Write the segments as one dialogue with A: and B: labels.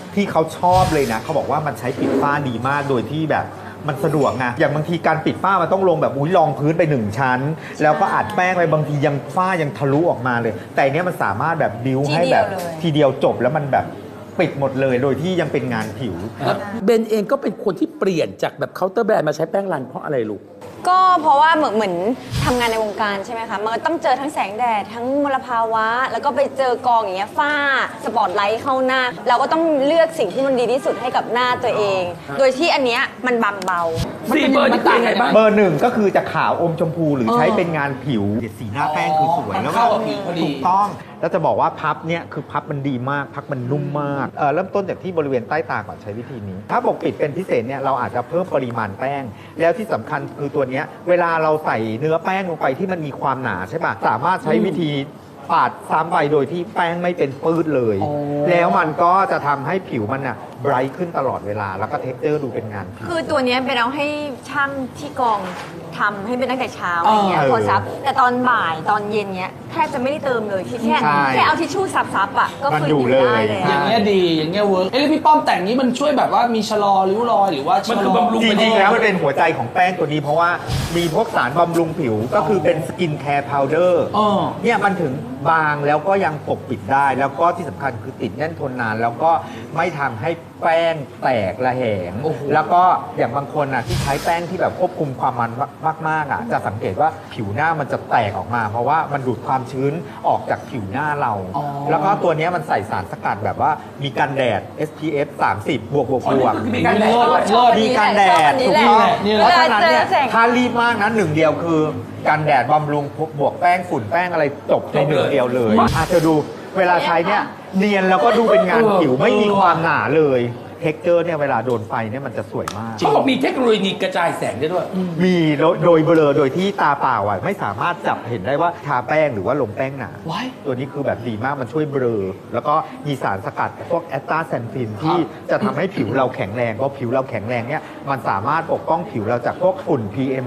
A: ที่เขาชอบเลยนะเขาบอกว่ามันใช้ปิดฝ้าดีมากโดยที่แบบมันสะดวกไงอย่างบางทีการปิดฝ้ามันต้องลงแบบรองพื้นไป1ชั้นแล้วก็อัดแป้งไปบางทียังฝ้ายังทะลุออกมาเลย แต่เนี้ยมันสามารถแบบบิ้วให้แบบทีเดียวจบแล้วมันแบบปิดหมดเลยโดยที่ยังเป็นงานผิว
B: เบนเองก็เป็นคนที่เปลี่ยนจากแบบเคาน์เตอร์แบรนด์มาใช้แป้งรันเพราะอะไรลูก
C: ก็เพราะว่าเหมือนทำงานในวงการใช่ไหมคะมันต้องเจอทั้งแสงแดดทั้งมลภาวะ แล้วก็ไปเจอกองอย่างเงี้ยฝ้าสปอตไลท์เข้าหน้า เราก็ต้องเลือกสิ่งที่มันดีที่สุดให้กับหน้าตัวเอง โดยที่อันเนี้ยมันบางเบา
B: สี่เบอร์นี่ต่างไงบ้าง
A: เบอร์1ก็คือจะขาวอมชมพูหรือใช้เป็นงานผิวสีหน้าแป้งคือสวยแล้วก็
B: เข้ากับผิวพอดี
A: ถูกต้องแล้วจะบอกว่าพับเนี่ยคือพับมันดีมากพับมันนุ่มมากเริ่มต้นจากที่บริเวณใต้ตาก่อนใช้วิธีนี้ ถ้าปกปิดเป็นพิเศษเนี่ยเราอาจจะเพิ่มปริมาณแป้ง แล้วที่สำคัญคือตัวเนี้ยเวลาเราใส่เนื้อแป้งลงไปที่มันมีความหนาใช่ปะสามารถใช้วิธีปาดซ้ำไปโดยที่แป้งไม่เป็นปื้ดเลย แล้วมันก็จะทำให้ผิวมันไบรท์ขึ้นตลอดเวลาแล้วก็เท็กเจอร์ดูเป็นงานผิว
C: คือตัวเนี้ยเป็นเอาให้ช่างที่กองทำให้เป็นตั้งแต่เช้าอะไรเงี้ย
A: เออ
C: พอซับแต่ตอนบ่ายตอนเย็นเนี้ยแทบจะไม่ได้เติมเลยที่แค่
A: ใช่
C: แค่เอาทิชชู่ซับอ่ะก็
A: มัน
C: คือ
A: อยู่
C: อยู่ได้
A: เลย
C: เลย
D: อย่างเงี้ยดีอย่างเงี้ยเวิร์กแล้วพี่ป้อมแต่งนี้มันช่วยแบบว่ามีชะลอริ้วรอยหรือว่าชะลอ
B: มันคือบำรุง
A: จริงๆแล้วมันเป็นหัวใจของแป้งตัวนี้เพราะว่ามีพวกสารบำรุงผิวก็คือเป็นสกินแคร์พาวเดอร์
D: อ๋อ
A: เนี่ยมันถึงบางแล้วก็ยังปกปิดได้ แล้วก็ที่สำคัญคือติดแน่นทนนาน แล้วก็ไม่ทำให้แป้งแตกระแหง
D: โอ้โห
A: แล้วก็อย่างบางคนที่ใช้แป้งที่แบบควบคุมความมันมากๆจะสังเกตว่าผิวหน้ามันจะแตกออกมา เพราะว่ามันดูดความชื้นออกจากผิวหน้าเรา แล้วก็ตัวเนี้ยมันใส่สารสกัดแบบว่ามีกันแดด SPF 30 บวก
B: อ๋อนี่คือมีการแดด
D: เลิศ
A: มีกันแดด
C: นี่
A: ถู
C: แห
A: ก
C: ละ
A: ต้อง
D: นี่แหละ
A: เพราะฉะนั้นเนี่ย
C: เวลาเจอแสง
A: ถ้ารีบมากนะหนึ่งเดียวคือกันแดดบำรุงบวกแป้งฝุ่นแป้งอะไรจบในหนึ่งเดียวเลยอาจจะดูเวลาใช้เนี่ยเนียนแล้วก็ดูเป็นงานผิวไม่มีความหนาเลยเท็กเจอร์เนี่ยเวลาโดนไฟเนี่ยมันจะสวยมาก
B: เขาบอกมีเทคโนโลยีกระจายแสงได้ด้วย
A: มีโดยเบลอโดยที่ตาเปล่าไม่สามารถจับเห็นได้ว่าทาแป้งหรือว่าลงแป้งหนา
D: ว้าย
A: ตัวนี้คือแบบดีมากมันช่วยเบลอแล้วก็มีสารสกัดพวกแอสตาแซนทินที่จะทำให้ผิวเราแข็งแรงเพราะผิวเราแข็งแรงเนี่ยมันสามารถปกป้องผิวเราจากพวกฝุ่น PM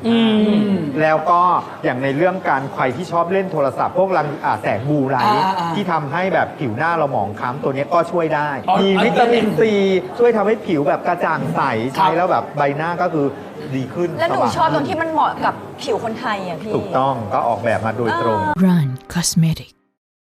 A: 2.5 แล้วก็อย่างในเรื่องการใครที่ชอบเล่นโทรศัพท์พวกรังแสงบลูไลท์ที่ทำให้แบบผิวหน้าเราหมองคล้ำตัวนี้ก็ช่วยได้
B: อ๋อ
A: มีวิตามินซีช่วยทำให้ผิวแบบกระจ่างใสใช้แล้วแบบใบหน้าก็คือดีขึ้น
C: แล้วหนู
A: สว่าง
C: ชอบตรงที่มันเหมาะกับผิวคนไทยอ่ะพี่
A: ถูกต้องก็ออกแบบมาโดยตรง
E: Run Cosmetic